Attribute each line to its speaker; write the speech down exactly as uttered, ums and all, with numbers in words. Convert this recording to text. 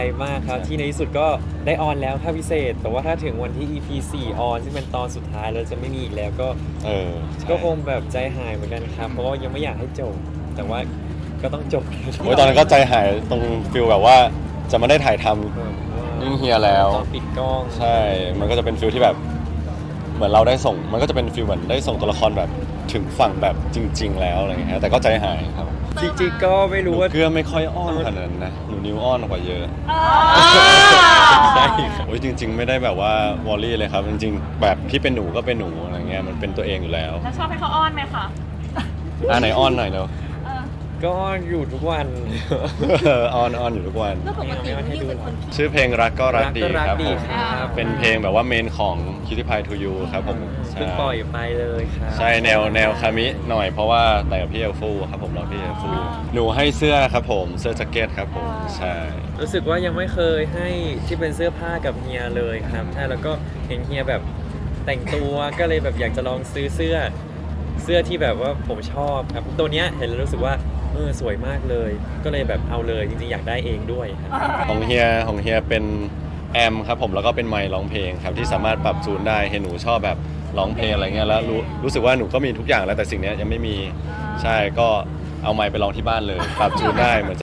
Speaker 1: มากครับที่ในที่สุดก็ได้ออนแล้วถ้าพิเศษ แต่ว่าถ้าถึงวันที่ อี พี สี่ออนซึ่งเป็นตอนสุดท้ายแล้วจะไม่มีอีกแล้วก็
Speaker 2: เออใช่
Speaker 1: ก็คงแบบใจหายเหมือนกันครับ เพราะว่ายังไม่อยากให้จบ แต่ว่าก็ต้องจบ
Speaker 2: โอ้ยตอนนั้นก็ใจหายตรงฟิลแบบว่าจะไม่ได้ถ่ายทำ
Speaker 1: แบบว่า
Speaker 2: ยิ่งเฮียแล้ว
Speaker 1: ตอนปิดกล้อง
Speaker 2: ใช่ มันก็จะเป็นฟิลที่แบบเหมือนเราได้ส่ง มันก็จะเป็นฟิลเหมือนได้ส่งตัวละครแบบถึงฝั่งแบบจริง ๆ แล้วอะไรเงี้ยแต่ก็ใจหายครับ
Speaker 1: จริงๆก็ไม่
Speaker 2: หนู
Speaker 1: รู้ว่า
Speaker 2: เกลือไม่ค่อยอ้อนขนาดนั้นนะหนูนิ้วอ้อนกว่าเยอะ
Speaker 1: ใช่ครับ
Speaker 2: โอ้ยจริง ๆ ไม่ได้แบบว่าวอลลี่เลยครับจริงๆแบบพี่เป็นหนูก็เป็นหนูอะไรเงี้ยมันเป็นตัวเองอยู่แล้ว
Speaker 3: แล้วชอบให้เขาอ้อนไหมคะ
Speaker 2: อ่าไหนอ้อนหน่อยเนาะ
Speaker 3: เออ
Speaker 1: ก็อยู่ทุกวัน
Speaker 2: อ้อนอ้อนอยู่ทุกวัน
Speaker 3: แล้วปกตินิวเป็นคนขี้
Speaker 2: ชื่อเพลงรักก็รักดี
Speaker 1: รักก็รัก
Speaker 2: ครับ
Speaker 1: ดี
Speaker 2: ผม
Speaker 1: ครับ
Speaker 2: เป็นเพลงแบบว่าเมนของ Cutie Pie to You ครับผมใช่
Speaker 1: เพิ่งปล่อยไปเลยครับ
Speaker 2: ใช่แนวแนวคามิหน่อยเพราะว่าแต่งกับพี่เอลฟูครับผมเราพี่เอลฟูหนูให้เสื้อครับผมเสื้อแจ็คเก็ตครับผมใช่
Speaker 1: รู้สึกว่ายังไม่เคยให้ที่เป็นเสื้อผ้ากับเฮียเลยครับใช่แล้วก็เห็นเฮียแบบแต่งตัวก็เลยแบบอยากจะลองซื้อเสื้อ เสื้อที่แบบว่าผมชอบครับตัวเนี้ยเห็นแล้วรู้สึกว่าเออสวยมากเลย ก็เลยแบบเอาเลยจริงๆอยากได้เองด้วยครับ
Speaker 2: ของเฮียของเฮียเป็นแอมครับผมแล้วก็เป็นไมค์ร้องเพลงครับที่สามารถปรับจูนได้เห็นหนูชอบแบบร้องเพลงอะไรเงี้ยแล้วรู้รู้สึกว่าหนูก็มีทุกอย่างแล้วแต่สิ่งเนี้ยยังไม่มีใช่ก็เอาไมค์ไปร้องที่บ้านเลยปรับจูนได้เหมือน